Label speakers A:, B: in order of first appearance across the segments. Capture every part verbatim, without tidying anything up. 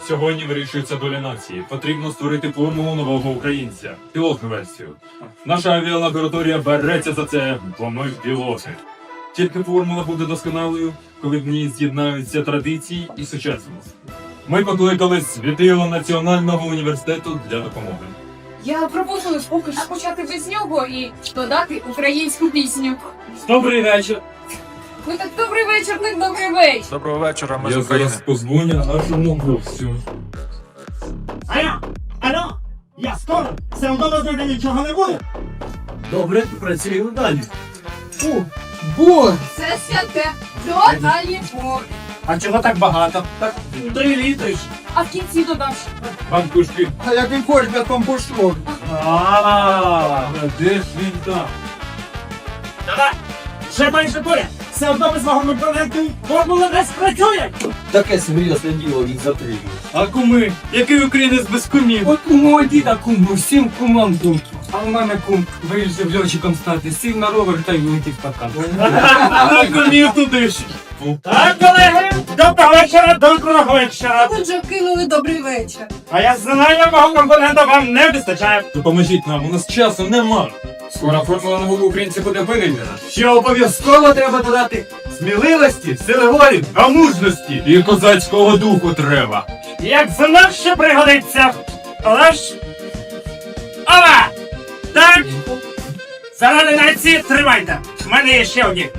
A: Сьогодні вирішується доля нації. Потрібно створити формулу нового українця. Пілотну версію. Наша авіалабораторія береться за це, бо ми пілоти. Тільки формула буде досконалою, коли в ній з'єднаються традиції і сучасність. Ми покликали світило Національного університету для допомоги.
B: Я пропоную поки що почати без нього і додати українську пісню.
C: Добрий вечір.
B: Ну так добрий вечір, так добрий вечір.
D: Доброго вечора, ми з
A: Я
D: України.
A: зараз позвоню нашому гостю.
E: Алло, алло, я скоро, все одно з нічого не буде.
C: Добре, працюємо далі.
E: О, бой!
B: Це святе. Додалі.
E: А чого так багато?
C: Так, три літри. ж.
B: А в кінці додаш.
A: Панкушки,
E: А як він хоче, без компошту.
C: А,
A: де ж він там?
E: Давай, ще менше поряд. Все одно без мого проєкту формула не спрацює.
C: таке серйозне діло він затримує. А куми? Який українець без кумів?
F: От у мого діда кум, всім кумам думки. А у мене кум вирішив льотчиком стати, сів на ровер та й влетів в паркан.
C: А кумів туди ж.
E: Так, колеги, доброго вечора, доброго вечора.
B: Отже, кинули добрий вечір.
E: А я знаю, мого компонента вам не вистачає.
A: Допоможіть нам, у нас часу нема. Скоро формула нового українця буде винайдена.
C: Ще обов'язково треба додати сміливості, сили волі та мужності.
A: І козацького духу треба.
E: Як знов ще пригодиться. Але ж... Ова! Так! Заради нації тримайте! В мене є ще одні.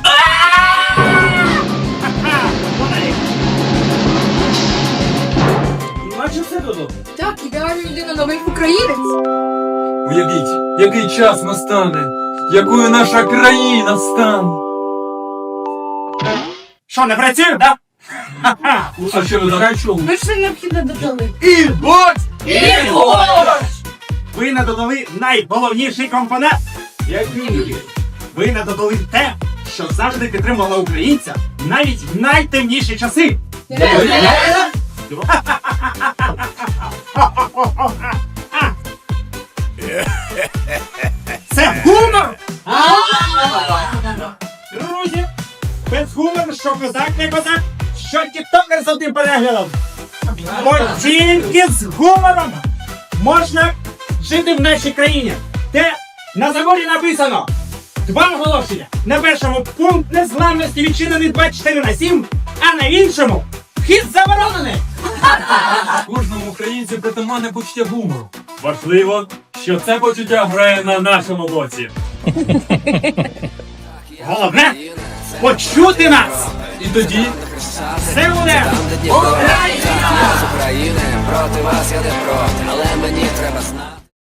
E: Ха-ха! Вони.
C: Наче все додому.
B: Так, ідеальна людина новий українець.
A: Уявіть, який час настане, якою наша країна стане.
E: Що, не працює, да? Ха-ха!
A: А що ви закачували?
B: Ми ж необхідно додали.
C: І бот!
B: І борщ!
E: Ви не додали найголовніший компонент.
C: Який?
E: Ви не додали те, що завжди підтримувало українця навіть в найтемніші часи. Це гумор! Друзі, без гумору, що козак не козак, що тіктокер з одним переглядом. Бо тільки з гумором можна жити в нашій країні, де на заборі написано два оголошення. На першому пункт незламності відчинений двадцять чотири на сім, а на іншому вхід заборонений.
A: Кожному українцю притаманне почуття гумору. Важливо, що це почуття грає на нашому боці.
E: Головне – почути нас.
A: І тоді
E: Все буде
G: З України проти вас я не проти, але мені треба знати.